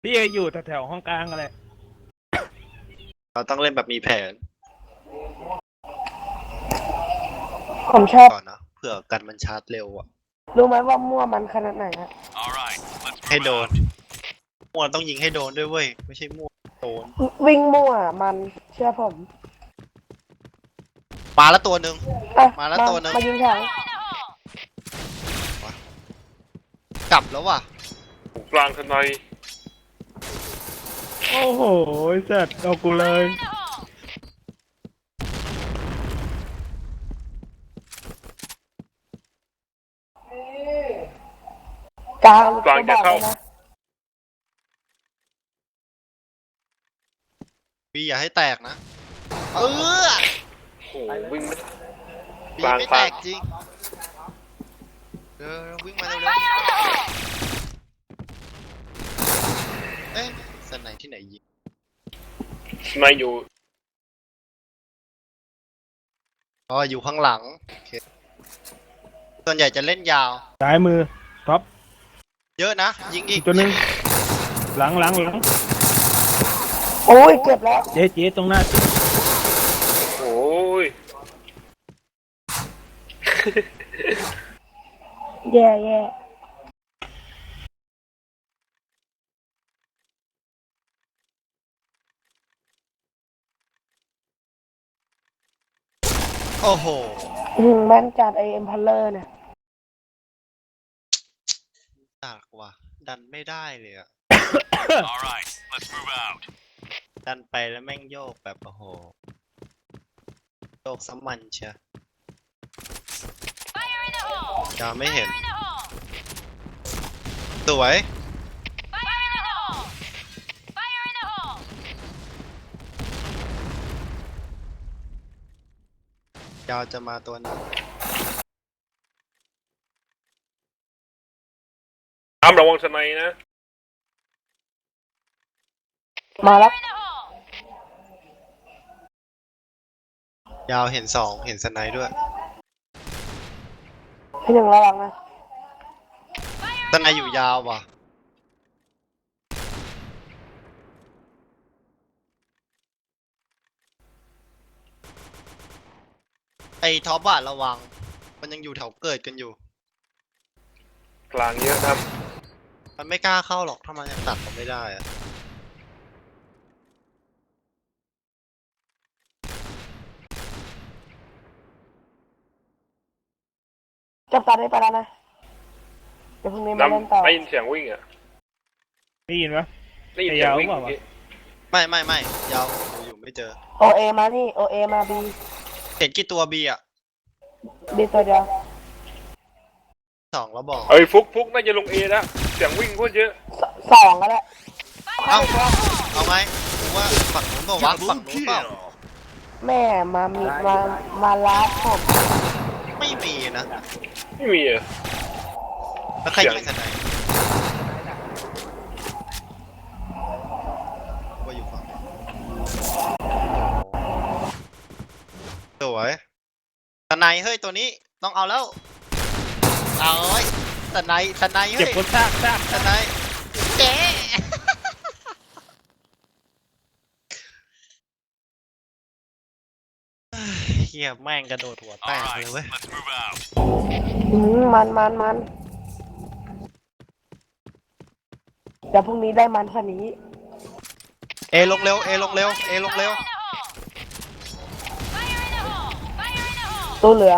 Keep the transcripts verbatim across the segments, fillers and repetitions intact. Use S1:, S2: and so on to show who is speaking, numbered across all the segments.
S1: พี่อยู่แถวๆห้องกลางอะไร
S2: เราต้องเล่นแบบมีแผน
S3: ผมชอบ
S2: ก่อนนะเผื่อกันมันชาร์จเร็วอ่ะ
S3: รู้ไหมว่ามั่วมันขนาดไหนอะ
S2: ให้โดนมั่วต้องยิงให้โดนด้วยเว้ยไม่ใช่มั่วโดน
S3: วิ่งมั่วมันเชื่อผม
S2: มาแล้วตัวหนึ่ง
S3: อ่ะ
S2: มาแล้วตัวหนึ่ง
S3: มายิงถัง
S2: กลับแล้วว่ะ
S4: กลางทนาย
S1: โอ้โหสัตว์เอากูเลย
S3: กลาง
S4: กลางจะเข้า
S3: นะ
S2: พี่อย่าให้แตกนะเออ
S4: โอ้วิ่งไม่
S2: พี่
S4: กลาง
S2: ไม่
S4: ก
S2: แต
S4: ลาง
S2: กจริงเออวิ่งมาเร็วๆเอ๊ะสไนที่ไหนยิง
S4: นายอยู่
S2: อ๋ออยู่ข้างหลังโอเคส่วนใหญ่จะเล่นยาว
S1: ซ้ายมือท็อป
S2: เยอะนะยิงอี
S1: อี
S2: ก
S1: กตัวหนึงหลังหลังหลัง
S3: โอ้ยเจ็บแล้ว
S1: เจ๊เจ๊ตรงหน้า
S4: โอ้ย
S3: แย่แย่
S2: โอ้โห
S3: อืมแม่นจัดไอเอ็มพัลเลอร์เนี่ย
S2: หนักว่ะดันไม่ได้เลยอะ ดันไปแล้วแม่งโยกแบบโอ้โหโยกซ้ำมันเชียจะไม่เห็นสวยยาวจะมาตัวนึง
S4: ตามระวังทนายนะ
S3: มาแล้ว
S2: ยาวเห็นสองเห็นสไนด์ด้วย
S3: พี่หนึ่งระวังนะ
S2: สไนด์อยู่ยาวว่ะไอ้ท็อปอะระวังมันยังอยู่แถวเกิดกันอยู่
S4: กลางเยอะครับ
S2: มันไม่กล้าเข้าหรอกถ้ามันยังตัดผมไม่ได้อะ
S3: จับตาได้ไปแล้วนะเดี๋ยวพรุ่งนี้มาเล่นต่อ
S4: น้ำได้ยินเสียงวิ่งอ่ะ
S1: ได้ยินปะ
S4: ได้ยินเสียงวิ่ง
S1: ไอ้ยาวเปล่าวะ
S4: เมื่อกี้
S2: ไม่ไม่ไม่ยาวอยู่ไม่เจอ
S3: โอเอมานี่โอเอมาบี
S2: เห็นกี่ตัวบีอะ
S3: บีตัวเดียว
S2: สองแล้วบอก
S4: เอ้ยฟุกฟุกน่าจะลงเอแล้วเสียงวิ่งโคตรเยอะ
S3: สองก็แล้ว
S2: เอ้าเอาไงดูว่าฝั่งนู้นเปล่าวะฝั่งนู้นเปล่า
S3: แม่มามีมามาลาดผม
S2: ไม่มีนะ
S4: ไม่มีอ่ะ
S2: แล้วใครยิงสไนด์ว่าอยู่ฝั่งสวยสไนด์เฮ้ยตัวนี้ต้องเอาแล้วเอาเฮ้ยสไนด์สไนด์
S1: เจ็บ
S2: เฮ้ย
S1: คนซากซาก
S2: สไนด์เจ๊เฮียแม่งกระโดดหัวแตกเลยเว้ย
S3: อืมมันมันมันเดี๋ยวพรุ่งนี้ได้มันกว่านี้
S2: เอลงเร็วเอลงเร็วเอลงเร็ว
S3: ตัวเหลือง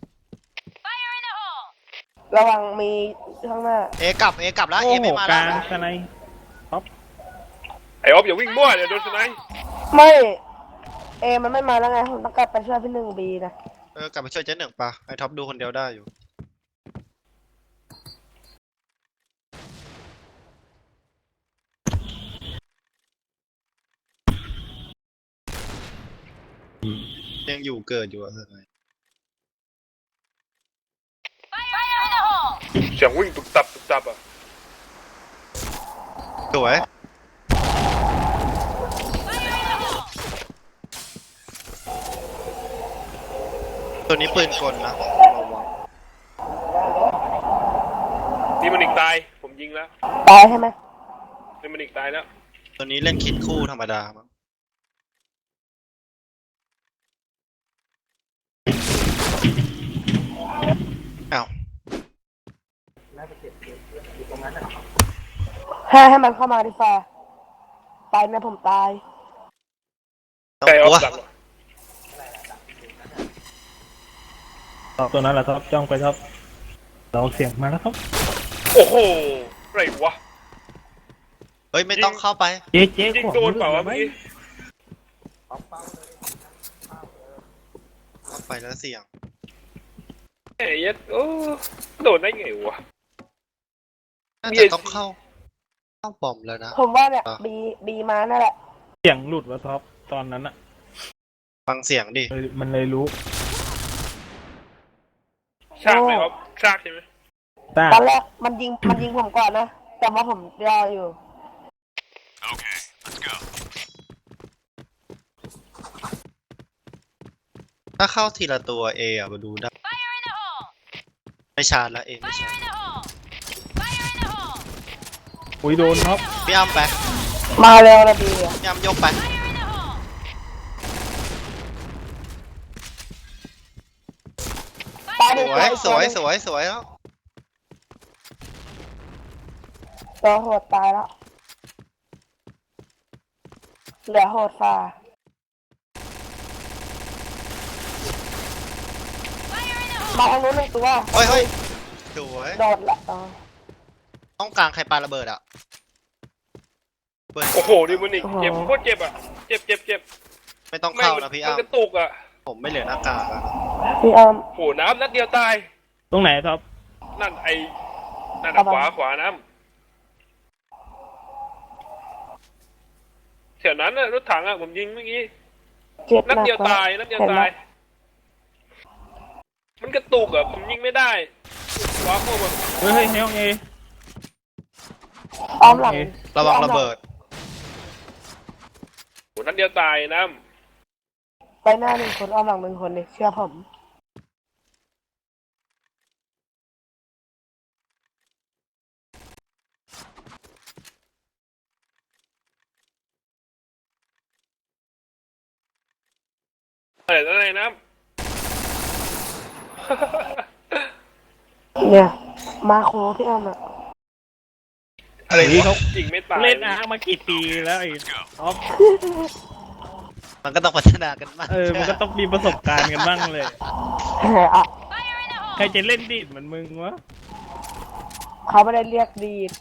S3: ระวังมีข้างหน้า
S2: เอกลับเอกลับแล้ว
S1: โอ้
S2: เอ
S1: โห
S2: ไม่มาก แล้
S1: ลาว งสไนด์
S4: ไอออฟอย่าวิ่งมั่วเดี๋ยวโดนทนาย
S3: ไม่เอมันไม่มาแล้วไงผมต้องกลับไปช่วยพี่หนึ่งบีนะ
S2: เออกลับไปช่วยเจ๊หนึ่งปะไอท็อปดูคนเดียวได้อยู่ยังอยู่เกิดอยู่อะเธอไง
S4: เสียงวิ่งตุกตับตุกตับอ่ะ
S2: สวยตัวนี้ปืนกลนะระวัง
S4: นี่มันอีกตายผมยิงแล้ว
S3: ตายใช่ไหม
S4: เดมอนิกตายแล้ว
S2: ตัวนี้เล่นคิดคู่ธรรมดามั้งอ้าว
S3: ให้ให้มันเข้ามาดีฟ้าไปนะผมตาย
S2: ต้อง
S4: ไก่
S2: ก
S4: ออ
S2: ลัว
S4: ฟหลัง
S1: ท็อปตัวนั้นแหละท็อปจ้องไปท็อปเราเสียงมาแล้วท็อป
S4: โอ้โหไรวะ
S2: เฮ้ยไม่ต้องเข้าไป
S1: เจ๊เจ๊
S4: ยิง
S1: ขว
S4: โดนเปล่าวะ
S1: ไหม
S4: เมื่อกี้
S2: เข้าไปแล้วเสี่ยง
S4: ไอ้ยัดโอ้โดนได้ไงวะ
S2: น่า
S4: มี
S2: จะ
S4: ไอ้
S2: ต้องเข้าเข้าบอมแล้วนะ
S3: ผมว่าเนี่ย
S2: อ่ะ
S3: บีบีมานั่นแหละ
S1: เสียงหลุดวะท็อปตอนนั้นอะ
S2: ฟังเสียงดิ
S1: เลยมันเลยรู้
S4: ชากไหมครับชากใช่ไหม
S1: ตา
S3: ตอนแรกมันยิงมันยิงผมก่อนนะแต่ว่าผมรออยู่
S2: ถ้าเข้าทีละตัวเออะมาดูได้ไม่ชาร์จแล้วเอไม่ชาร์จ
S1: อุ้ยโดนท็อป
S2: พี่อ้ำไป
S3: มาเร็วนะบีอะ
S2: พี่อ้ำยกไป
S3: ตายห
S2: ส
S3: นึ่ง
S2: วย
S3: ตัว
S2: สวยสวยสวยแล้ว
S3: ตัวโหดตายแล้วเหลือโหดฟ้ามาทางนู้นหนึ่งตัว
S2: เฮ้ยเฮ้ยสวย
S3: โดดละอ๋อ
S2: ต้องกลางใครปาระเบิดอ่ะเบิด
S4: โอ้โหเดมอนิกเจ็บโคตรเจ็บอ่ะเจ็บเจ็บเจ็บ
S2: ไม่ต้องเข้านะพี่
S4: มัน
S2: อ้ำ
S4: กระตุกอ่ะ
S2: ผมไม่เหลือหน้ากากอะ
S3: พี่อ้ำ
S4: โอ้โหน้ำนัดเดียวตาย
S1: ตรงไหนท็อป
S4: นั่นไอ้นั่น
S3: เอา
S4: อะ
S3: มา
S4: ขวาขวาน้ำแถวนั้นน่ะรถถังอ่ะผมยิงเมื่อกี้
S3: เจ็บ
S4: นัด
S3: หนัก
S4: เดียว
S3: กว่า
S4: ตายนัดเดียว
S3: เห็นไหม
S4: ตาย มันกระตุกอ่ะผมยิงไม่ได้ว้าโคแบบ
S1: เฮ้ยเฮ้ยในห้องเอ
S3: อ้อมหลัง
S2: ระวังระเบิด
S4: โหนัดเดียวตายน้
S3: ไปหน้าหนึ่งคนอ้อมหลังหนึ่งคนเลยเชื่อผม
S4: ำอะไรอะไรน้
S3: เนี่ยมาโคพี่อ้ำอะ
S4: ำอะไรวะยิงไม่ตาย
S1: เล่นอาร์มากี่ปีแล้วไอ้ท็อป
S2: มันก็ต้องพัฒนากันมาก
S1: เออมันก็ต้องมีประสบการณ์กันบ้างเลย
S3: อ่ะ
S1: ใครจะเล่นดีดเหมือนมึงวะ
S3: เขาไม่ได้เรียกดีด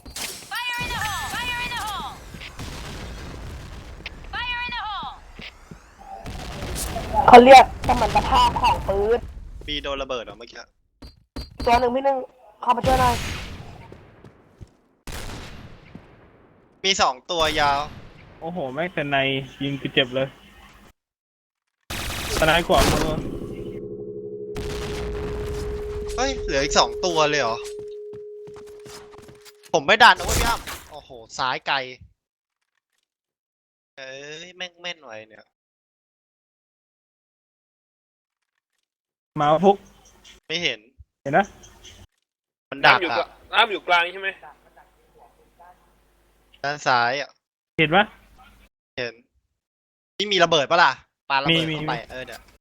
S3: เขาเรียกสมรรถภาพของปืน
S2: ปีโดนระเบิดเหรอเมื่อกี้
S3: ตัวหนึ่งพี่หนึ่งเข้ามาช่วยหน่อย
S2: มีสองตัวยาว
S1: โอ้โหแม่งแต่ในยิงกูเจ็บเลยตะนายกว่ามือ
S2: เฮ้ยเหลืออีกสองตัวเลยเหรอผมไม่ดันนะเว้ยพี่อ้ำโอ้โหซ้ายไกลเอ้ยแม่งแม่นไว้เนี่ย
S1: มาพุก
S2: ไม่เห็น
S1: เห็นนะ
S2: มันดัก
S4: น้ำอยู่กลา
S2: อะ
S4: งน้ำอยู่กลางใช่ไหม
S2: ด้านซ้ายอะ
S1: เห็นปะ
S2: เห็นนี่มีระเบิดปะล่ะปาระเบิด
S1: มีมี
S2: เข้าไปเออเดี๋ยว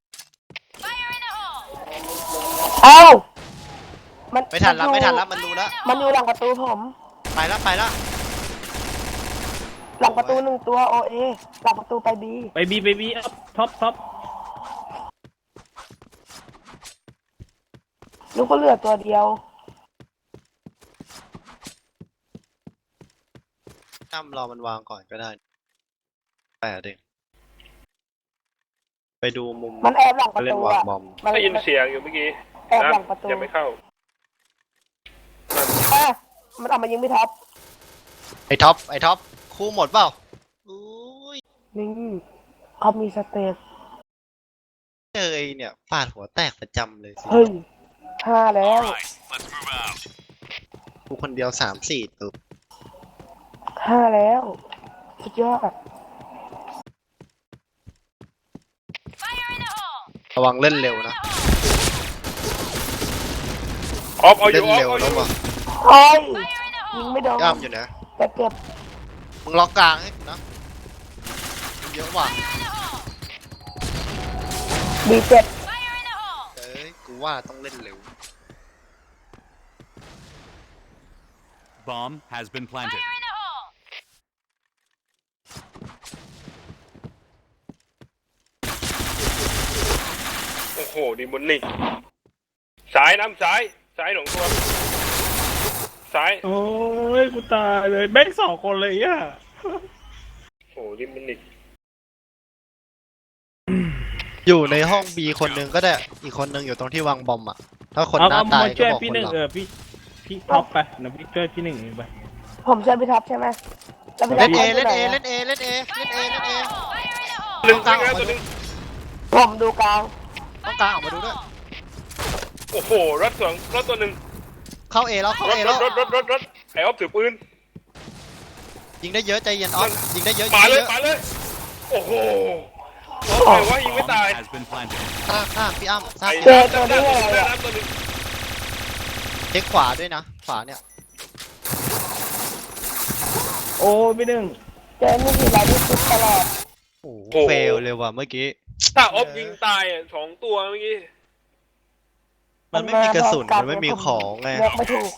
S3: เอ้ามัน
S2: ไม่ทันละ
S3: อยู่
S2: ไม่ทันละมันรู้แล้ว
S3: มันอยู่หลังประตูผม
S2: ไปละไปละ
S3: หลังประตูหนึ่งตัวโอเอหลังประตูไปบี
S1: ไปบีไปบีอัพท็อปท็อป
S3: ลูกก็เหลือตัวเดียว
S2: จ้ำรอมันวางก่อนก็ได้แปดเองไปดูมุม
S3: มันแอบหลังประ
S2: เล่น
S3: ตู
S2: วาง
S3: อะ
S2: บอม
S3: มัน
S4: ได้ยินเสียงอยู่เมื่อกี้
S3: แอบหลัง
S4: น้ำ
S3: ประตู
S4: ยังไม่เข้า
S3: อ่ะมันเอามายิงไม่ท็อป
S2: ไอท็อปไอท็อปคู่หมดเปล่าอุ้ย
S3: นี่เขามีสเตป
S2: เจอไอเนี่ยฟาดหัวแตกประจำเลยสิ
S3: เฮ้ยห้าแล้ว
S2: กูคนเดียวสามสี่ตัว
S3: ห้าแล้วสุดยอด
S2: ระวังเล่นเร็วนะ
S4: ออฟเอาอ
S2: เล่
S4: ยู่
S2: น
S4: ออฟ
S2: เร็ว
S4: เอาอ
S2: แล้ว
S4: ยู่
S2: ว่ะ
S3: โอ้ยยิงไม่โดน
S2: ย่ำอยู่นะ
S3: แต่เจ็บ
S2: มึงล็อกกลางให้กูนะมันเยอะว่ะ
S3: บีเจ็ด
S2: เอ้ยกูว่าต้องเล่นเร็ว
S5: Bomb has been planted.
S4: โอ้โหดีมุนนี่ซ้ายน้ำซ้ายซ้ายหลงตัวซ้าย
S1: โอ้ยกูตายเลยแม่งสองคนเลยอ่ะ
S4: โอ้โหดีมุนนี่
S2: อยู่ในห้องบีคนหนึงก็ได้อีกคนหนึงอยู่ตรงที่วางบอมอ่ะถ้าคน
S1: เอา
S2: หน้า
S1: เอา
S2: ตาย
S1: มา
S2: ก็
S1: ช่วย
S2: บอก
S1: พี่
S2: ค
S1: ห
S2: น
S1: นึ่ง
S2: หลัง
S1: เออพี่พี่ท็อปไปนะพี่ช่วยพี่หนึ่งเองไป
S3: ผมช่วยพี่ท็อปใช่ไหมแล้วพี่ท็
S2: เล่
S3: อน ป
S2: เอ
S3: ไป
S2: เล่น
S3: ไห
S2: เอเล่นเอเล่นเอเล่นเอเล่นเอ
S4: หนึ่ง
S2: กลางอ
S4: แล้
S2: อ
S4: ว
S2: ก
S4: ตัว
S2: มา
S4: ห
S2: ดู
S4: นึ่ง
S3: ผมดูกลาง
S2: ต้องกลางออกมาดูด้วย
S4: โอ้โหรถสองรถตัวหนึ่ง
S2: เข้าเอแล้วเข้าร
S4: ถ
S2: เอ
S4: ร
S2: แล้ว
S4: ถรถรถรถรถไอ้ออฟถือปืน
S2: ยิงได้เยอะใจเย็นออฟยิงได้เยอะยิ
S4: ป่าง
S2: ได้
S4: เล
S2: เย
S4: ย
S2: อะ
S4: ป่าเลยโอ้โหออฟไปว่ายิงไม่
S5: Bomb
S4: ตาย
S5: has been planted.
S2: ข้างข้างพี่อ้ำสร้าง
S4: ไอ้
S2: เก็บ
S4: น้ำน้ำน้ำน้ำตัวหนึ่ง
S2: เช็คขวาด้วยนะขวาเนี่ย
S1: โอ้ยพี่หนึ่ง
S3: เจอนี่ทีไรที่คิดตลอด
S2: โอ้โหเฟลเลยว่ะเมื่อกี้
S4: ถ้าออฟยิงตายอ่ะสองตัวเมื่อกี้
S2: มันไม่มีกระสุนมันไม่มีของไง
S3: เลือกไม่ถูก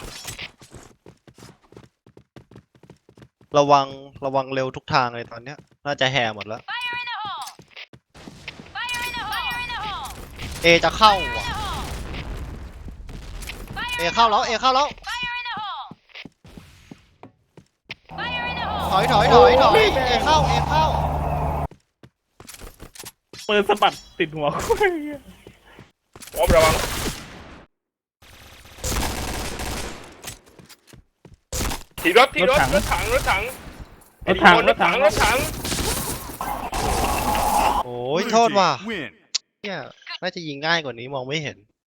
S2: ระวังระวังเร็วทุกทางเลยตอนเนี้ยน่าจะแห่หมดแล้วเอจะเข้าว่ะเอเข้าแล้วเอเข้าแล้วถอยถอยถอยถอยเอเข้าเอเข้า
S1: ปืนสะบัดติดหัวกูเลยอะ
S4: ออฟระวังถีรถถีรถรถถังรถถัง
S1: รถถัง
S4: ร
S1: ร
S4: ถ
S1: ถถั
S4: ถั
S1: ง
S4: งรถถัง
S2: โอ้ยโทษว่ะ
S5: Win.
S2: เนี่ยน่าจะยิงง่ายกว่านี้มองไม่เห็น